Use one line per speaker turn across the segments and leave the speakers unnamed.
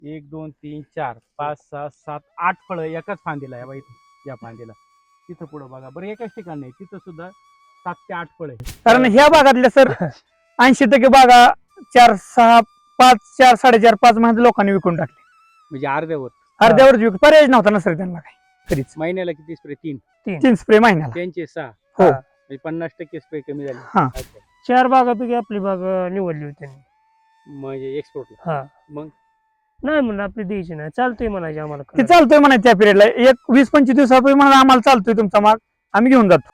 1 2 3 4 5 6 7 8 फळं एकाच फांदीला आहे बा इथं या फांदीला. तिथं पुढं बघा बरं एकाच ठिकाणी नाही, तिथं सुद्धा 7 ते 8 फळं आहे.
कारण ह्या भागातल्या सर 80% बागा 4 6 5 4 4.5 5 महिन्यात लोकांनी विकून टाकले.
म्हणजे अर्ध्यावर.
अर्ध्यावर विक पर्याय नव्हता ना सर त्यांना काही कधीच.
महिन्याला किती स्प्रे? 3.
3 स्प्रे महिन्याला.
त्यांचे 6.
हो.
म्हणजे 50% स्प्रे कमी झाले.
हा.
अच्छा.
4 बागापैकी आपली बाग निवडली होती त्यांनी.
म्हणजे एक्सपोर्टला.
हा
मग
नाही म्हणलं आपली द्यायची नाही, चालतंय म्हणायचे आम्हाला
ते
करायला.
चालतोय म्हणा त्या पिरियडला एक 20-25 दिवसापूर्वी म्हणा आम्हाला चालतोय तुमचा माग, आम्ही घेऊन जातो.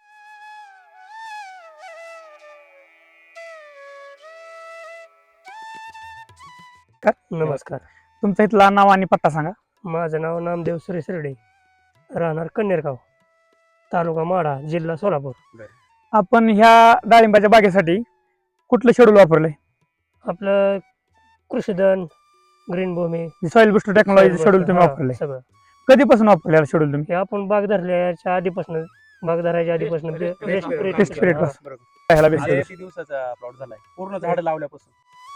नमस्कार,
तुमचं इथला नाव आणि पत्ता सांगा.
माझं नाव नामदेव सुरेश रेडे, राहणार कन्नेरगाव, तालुका माढा, जिल्हा सोलापूर.
आपण ह्या डाळिंबाच्या बागेसाठी कुठलं शेड्यूल वापरलंय?
आपलं Krushidhan, green Bhumi,
soil booster technology schedule तुम्ही
हा,
वापरलंय.
सगळं
कधीपासून वापरलेलं शेड्यूल तुम्ही?
हे आपण बाग धरल्याच्या आधीपासून, बाग धरायच्या आधीपासून
Rest period
Rest period
हा.
पासून. ह्याला base
आता
केलं.
किती दिवसाचा प्लॉट झालाय पूर्ण झाड लावल्यापासून?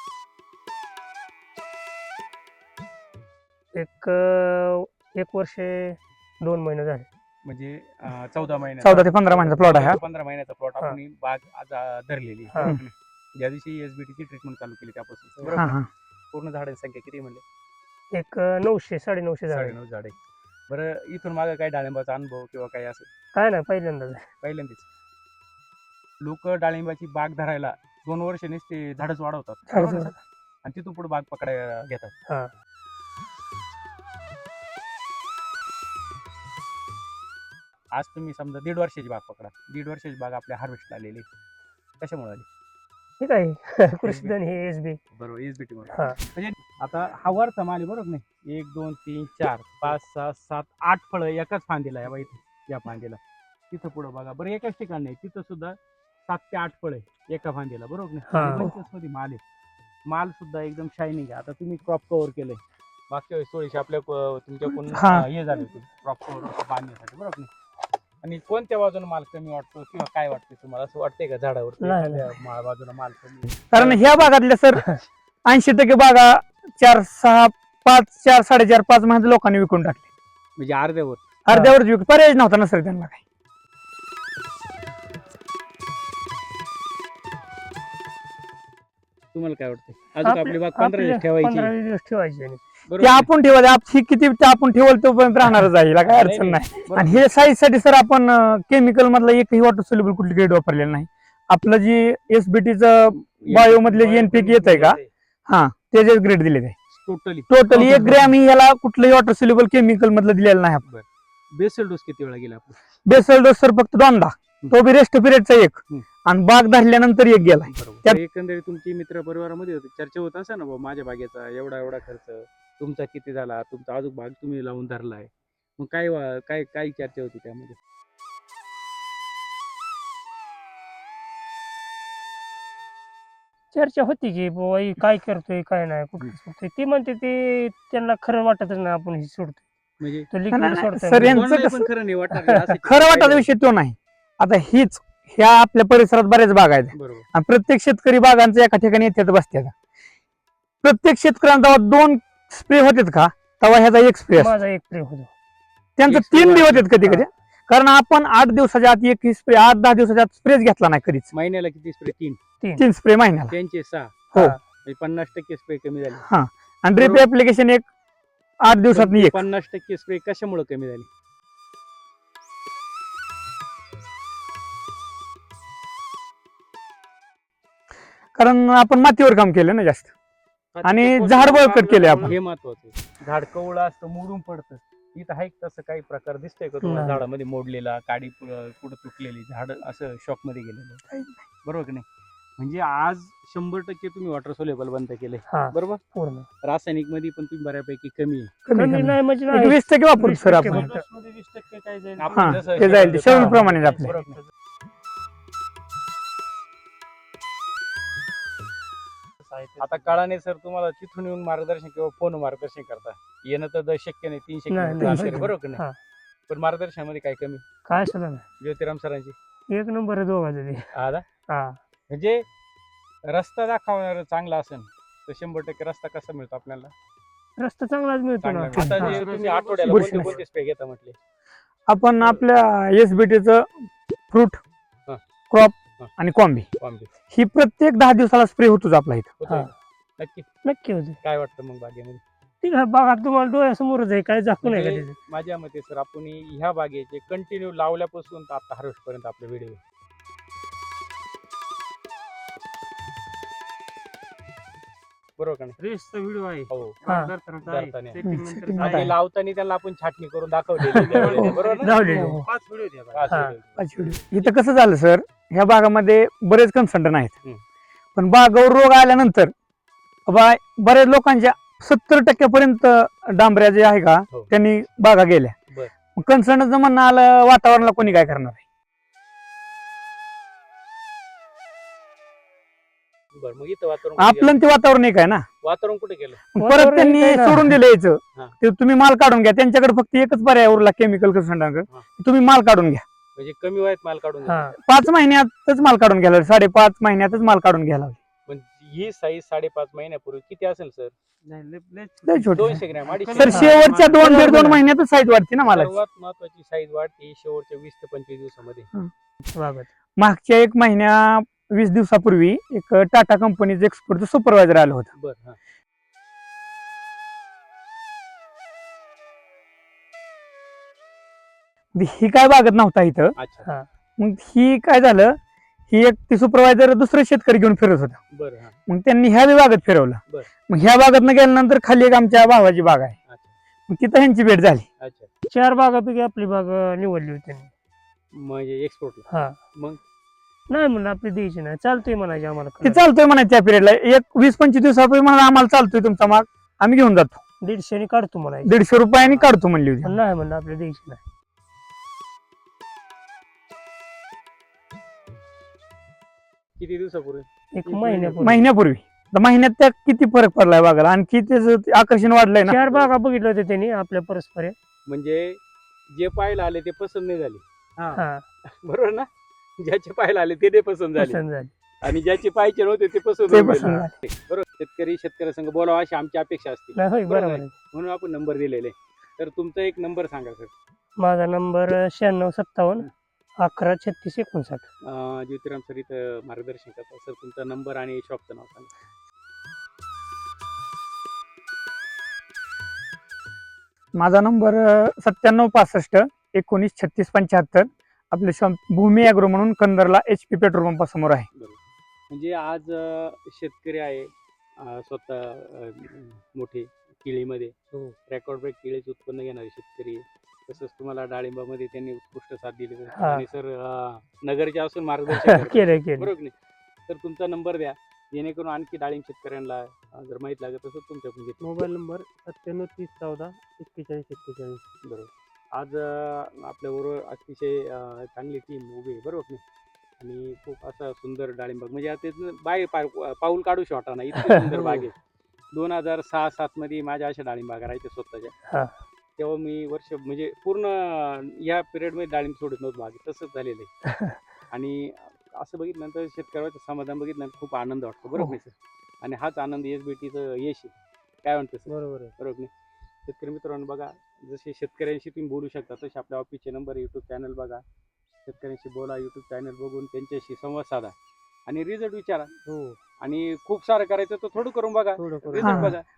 एक वर्ष 2 महिने झाले.
म्हणजे 14 महिन्याचा.
14 ते 15 महिन्याचा प्लॉट आहे हा.
15 महिन्याचा प्लॉट आपण ही बाग आज धरलेली.
हा.
ज्या दिवशी एसबीटीची ट्रीटमेंट चालू केली त्यापासून
हा
बरोबर.
हा.
पूर्ण झाडांची संख्या किती म्हणले?
एक 900 950 झाले.
9.5 झाडे. बरं इथून मागे काय डाळिंबाचा अनुभव किंवा काय असं
काय नाही पहिल्यांदाच.
पहिल्यांदाच? लोक डाळिंबाची बाग धरायला 2 वर्षांनीच ते झाडच वाढवतात
झाडच
बरोबर ना? आणि तिथून पुढे बाग पकडायला घेतात.
हा.
आज तुम्ही समजा 1.5 वर्षाची बाग पकडा. 1.5 वर्षाची बाग आपल्या हार्वेस्टला आलेली कशामुळे आली?
ठीक आहे. कृषीधन हे एसबी.
बरोबर एसबीटी म्हणून.
हा.
म्हणजे आता हा वरचा माल आहे बरोबर नाही? 1 2 3 4 5 6 7 8 फळं एकाच फांदीला आहे बा इथं या फांदीला. तिथं पुढं बघा बरं एकाच ठिकाणी नाही, तिथं सुद्धा 7 ते 8 फळं आहे एका फांदीला बरोबर
हा.
नाही? 25 मध्ये माल आहे. माल सुद्धा एकदम शायनिंग आहे. आता तुम्ही क्रॉप कव्हर केलंय मागच्या वेळेस थोडीशी आपल्या तुमच्याकडून
हा.
हे झाले होते क्रॉप कव्हर बांधण्यासाठी बरोबर नाही? आणि कोणत्या बाजूने माल कमी वाटतो किंवा काय वाटतं तुम्हाला? असं वाटतंय का झाडावर
नाही, नाही.
बाजूला माल कमी आहे?
कारण ह्या भागातल्या सर 80% बागा 4 6 5 4 4.5 5 महिन्यात लोकांनी विकून टाकले.
म्हणजे अर्ध्यावर.
अर्ध्यावर विक पर्याय नव्हता ना सर त्यांना काही.
तुम्हाला काय वाटतं अजून आपली बाग 15 दिवस ठेवायची
15-20 दिवस ठेवायची आणि
बरोबर
ते
आहे?
आपण ठेवा ही किती ते आपण ठेवल तोपर्यंत राहणारच आहे, हिला काय अडचण नाही.
बरोबर.
आणि हे साईज साठी सर आपण केमिकल मधला एकही वॉटर सोल्युबल कुठली ग्रेड वापरलेलं नाही. आपलं जी एसबीटीचं बायो मधले जे एनपीके येत आहे का हा त्याचे ग्रेड दिले आहे
टोटली.
टोटली 1 ग्रॅम ही याला कुठलंही वॉटर सोल्युबल केमिकल मधलं दिलेलं नाही आपण.
बेसल डोस किती वेळा गेला आपण?
बेसल डोस सर फक्त 2दा, तो बी रेस्ट पिरियडचा 1 आणि बाग धरल्यानंतर 1 गेला.
बरोबर. एकंदरीत तुमची मित्र परिवारामध्ये होते चर्चा होत असा ना बाबा माझ्या बागेचा एवढा खर्च तुमचा किती झाला, तुमचा अजून बाग तुम्ही लावून धरलाय, मग काय काय काय चर्चा होती त्यामध्ये?
चर्चा होती की बाबा हे काय करतोय काय नाही कुठं सोडतोय. ती म्हणते ते त्यांना खरं वाटतच नाही आपण हे सोडतोय.
म्हणजे
तो
नाही,
लिक्विड
नाही,
सोडतोय.
सर, यांचं
कोणालाही
कसं-
पण खरं नाही वाटणार नाही, असं
खरं वाटायचा विषय तो नाही. आता हीच ह्या आपल्या परिसरात बऱ्याच बागा आहेत
बरोबर.
आणि प्रत्येक शेतकरी बागांचं एका ठिकाणी येतात बसतात. प्रत्येक शेतकऱ्यांचा जेव्हा 2 स्प्रे होतात का तेव्हा ह्याचा 1 स्प्रे असतो.
माझा एक प्रेम होतो.
त्यांचं
एक
3
spray
बी
वाढतो.
होतात कधी कधी. कारण आपण 8 दिवसाच्या आत 1 स्प्रे 8-10 दिवसाच्या आत स्प्रेच घेतला नाही कधीच.
महिन्याला किती स्प्रे? 3.
3 स्प्रे महिन्याला.
त्यांचे 6.
हो.
म्हणजे 50% स्प्रे कमी झाले.
आणि ड्रिप
बरोबर.
ऍप्लिकेशन 8 दिवसात 1.
50% स्प्रे कशामुळे कमी झाली?
कारण आपण मातीवर काम केलं ना जास्त. आणि
ते
झाड
पोषक
बळकट केले आपण.
हे महत्वाचं आहे. झाड कवळं असतं मोडून पडतं. इथं आहे का तसं काही प्रकार दिसतोय का तुम्हाला?
नाही.
झाडामध्ये मोडलेला काडी कुठं तुटलेली झाड असं शॉक मध्ये गेलेलं बरोबर की नाही? म्हणजे आज 100% तुम्ही वॉटर सोल्युबल बंद केले
हा
बरोबर.
पूर्ण
रासायनिक मध्ये पण तुम्ही बऱ्यापैकी कमी आहे.
कमी नाही म्हणजे
एक
नाही.
20% वापरू
20%
सर आपण.
फक्त.
आपण
हा,
जसं
ते जाईल, ते
शेतात
schedule प्रमाणे आपले.
बरोबर आहे. आता काळाने सर तुम्हाला तिथून येऊन मार्गदर्शन किंवा फोन मार्गदर्शन करता येणं तर शक्य नाही 300
नाही,
किलोमीटर
नाही,
अंतर आहे,
शक्य
बरोबर की
हा.
नाही? पण मार्गदर्शनामध्ये काय कमी?
काय सुद्धा नाही.
ज्योतिराम सरांची
एक नंबर आहे दोघांचं ते.
हा.
हा
म्हणजे रस्ता दाखवणार चांगला असेल तर 100% रस्ता कसा मिळतो आपल्याला?
रस्ता चांगलाच मिळतो ना.
चांगला. आता
हा.
जे तुम्ही आठवड्याला
बुरशी
कोणते
नाही.
कोणते स्प्रे घेता म्हटले?
आपण आपल्या एसबीटीचं फ्रूट,
हा.
क्रॉप
हा.
आणि कॉम्बी
कॉम्बी
ही प्रत्येक 10 दिवसाला स्प्रे होतोच आपला इथं.
होतोय
हा.
का? नक्की.
नक्की होते.
काय वाटतं मग बागेमध्ये?
ठीक आहे, बागा तुम्हाला डोळ्यासमोरच आहे, काय दाखवू नये का
म्हणजे
त्याचं.
माझ्या मते सर आपण ह्या बागेचे कंटिन्यू लावल्यापासून तर आता हार्वेस्ट पर्यंत आपले व्हिडिओ बरोबर का नाही?
रेसचा व्हिडिओ आहे.
हो.
हा.
धरतानाचा आहे.
धरताना.
Setting नंतर
Setting
आहे.
आणि लावताना त्याला आपण छाटणी करून दाखवलेली त्यावेळेस.
हो.
बरोबर ना?
लावलेले.
हो. 5 व्हिडिओ द्या बघा.
पाच
हा.
व्हिडिओ.
इथं कसं झालं सर, ह्या बागामध्ये बरेच कन्सल्टंट आहेत.
हम्म.
पण बागावर रोग आल्यानंतर बऱ्याच लोकांच्या 70% पर्यंत डांबऱ्या जे आहे का
हो.
त्यांनी बागा गेल्या.
बर.
कन्सल्टंटचं म्हणणं आलं, वातावरणाला कोणी काय करणार आहे.
बरं मग इथं वातावरण कुठे
आपलं
गेलं?
आणि ते वातावरण एक आहे ना.
वातावरण कुठे गेलं?
मग
वातावरण
परत त्यांनी
एक आहे ना.
सोडून दिलं यायचं.
हा.
ते तुम्ही माल काढून घ्या. त्यांच्याकडे फक्त एकच पर्याय उरला केमिकल कन्सल्टंटकडे,
हा.
तुम्ही माल काढून घ्या.
म्हणजे कमी वयात माल काढून
हा.
घेतला.
5 महिन्यातच माल काढून घ्यायला, 5.5 महिन्यातच माल काढून घ्यायला.
पण ही साईज 5.5 महिन्यापूर्वी किती असेल सर?
नाही,
लय छोटी.
200 ग्रॅम 250
सर
हा.
शेवटच्या
बरोबर
2.5
आहे.
महिन्यातच साईज वाढते ना मला.
सर्वात महत्वाची साईज वाढते शेवटच्या 20 ते 25 दिवसामध्ये.
बाबत.
मागच्या 1 महिन्या 20 दिवसापूर्वी एक टाटा कंपनीचं एक्सपोर्टचं सुपरवायझर आलं होतं.
बरं हा.
ही काय बागत नव्हता इथं.
अच्छा.
हा.
मग ही काय झालं, ही एक ती सुपरवायझर दुसरे शेतकरी घेऊन फिरत होता.
बरं हा.
मग त्यांनी ह्या बागेत फिरवलं.
बरं.
मग ह्या बागेतनं गेल्यानंतर खाली एक आमच्या भावाची बाग आहे.
अच्छा.
मग तिथं ह्यांची भेट झाली.
अच्छा.
4 बागापैकी आपली बाग निवडली होती त्यांनी.
म्हणजे एक्सपोर्टला.
हा.
मग
नाही म्हणलं आपली द्यायची नाही, चालतंय म्हणायचे आम्हाला
ते
करायला.
चालतोय म्हणा त्या पिरियडला. एक 20-25 दिवसापूर्वी म्हणा आम्हाला चालतोय तुमचा माग, आम्ही घेऊन जातो.
150 काढतो म्हणायचे.
150 रुपयांनी काढतो म्हणली होती.
पण नाही म्हणलं आपली द्यायची नाही.
किती दिवसापूर्वी?
एक महिन्यापूर्वी
महिन्यापूर्वी. तर महिन्यात त्या किती फरक पडलाय बागाला, आणखी त्याचं आकर्षण वाढलंय ना.
4 बागा बघितल्या होत्या त्यांनी आपल्या परस्पर.
म्हणजे जे पाहायला आले ते पसंत नाही झाले.
हा.
बरोबर ना? ज्याचे पाहायला आले ते नाही पसंत झाले
पसंत झाली.
आणि ज्याचे पाहिजे नव्हते ते पसंत
ते
होऊन
पसंत
गेले. बरोबर. शेतकरी संघ बोलावा अशी आमची अपेक्षा असते.
नाही होय,
बरोबर
बरोबर
आहे.
आहे.
म्हणून आपण नंबर दिलेले. तर तुमचा एक नंबर सांगा सर.
माझा नंबर 9657 11 36 59.
ज्योतिराम सर इथं मार्गदर्शन करतात. सर तुमचा नंबर आणि शॉपचं नाव सांगा.
माझा नंबर 9765 19 36 75. आपले शॉप भूमी ॲग्रो म्हणून कंदरला HP पेट्रोल पंपासमोर आहे.
बरोबर. म्हणजे आज शेतकरी आहे स्वतः मोठे केळीमध्ये रेकॉर्ड ब्रेक केळीचे उत्पन्न घेणारे शेतकरी आहे. तसंच तुम्हाला डाळिंबामध्ये त्यांनी उत्कृष्ट साथ दिली
हा.
आणि सर नगरचे असून मार्गदर्शन करतात.
केलं
बरोबर की नाही? तर तुमचा नंबर द्या जेणेकरून आणखी डाळिंब शेतकऱ्यांना जर माहीत लागत असेल तुमच्याकडून घेतो.
Mobile number 97 30 14 41 41.
बरोबर. आज आपल्याबरोबर अतिशय चांगली टीम उभी आहे. बरोबर की नाही? आणि खूप असा सुंदर डाळिंबाग म्हणजे आता इथनं पाऊल काढू शकता ना इतकी सुंदर बाग आहे. 2006-07 मध्ये माझ्या अशा डाळिंबागा राहायच्या स्वतःच्या.
हा.
तेव्हा मी वर्ष म्हणजे पूर्ण या पिरियडमध्ये डाळिंब सोडत नव्हतं बागेत. तसंच झालेलं आहे. आणि असं बघितल्यानंतर शेतकऱ्याचं समाधान बघितल्यानंतर खूप आनंद वाटतो. बरोबर नाही सर? आणि हाच आनंद SBTचं यश आहे. काय म्हणतो सर?
बरोबर आहे.
बरोबर नाही? शेतकरी मित्रांनो बघा, जसे शेतकऱ्यांशी तुम्ही बोलू शकता तसे आपल्या ऑफिसचे नंबर यूट्यूब चॅनल बघा. शेतकऱ्यांशी बोला, यूट्यूब चॅनल बघून त्यांच्याशी संवाद साधा आणि रिझल्ट विचारा.
हो.
आणि खूप सारं करायचं तर थोडं करून बघा,
थोडं करून.
रिझल्ट
हा.
बघा.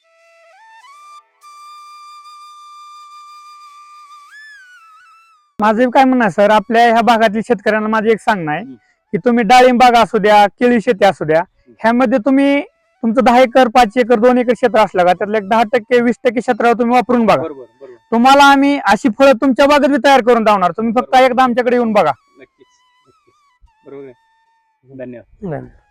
माझं काय म्हणणं आहे सर, आपल्या ह्या भागातील शेतकऱ्यांना माझं एक सांगणं आहे
हम्म.
की तुम्ही डाळिंब बाग असू द्या, केळी शेती असू द्या, ह्यामध्ये तुम्ही तुमचं 10 एकर 5 एकर 2 एकर क्षेत्र असलं का त्यातलं एक 10% 20% क्षेत्रावर तुम्ही वापरून बघा.
बरोबर बरोबर.
तुम्हाला आम्ही अशी फळं तुमच्या बागेत बी तयार करून लावणार. तुम्ही फक्त एकदा आमच्याकडे येऊन बघा.
नक्कीच नक्कीच. बरोबर आहे. धन्यवाद.
नाही.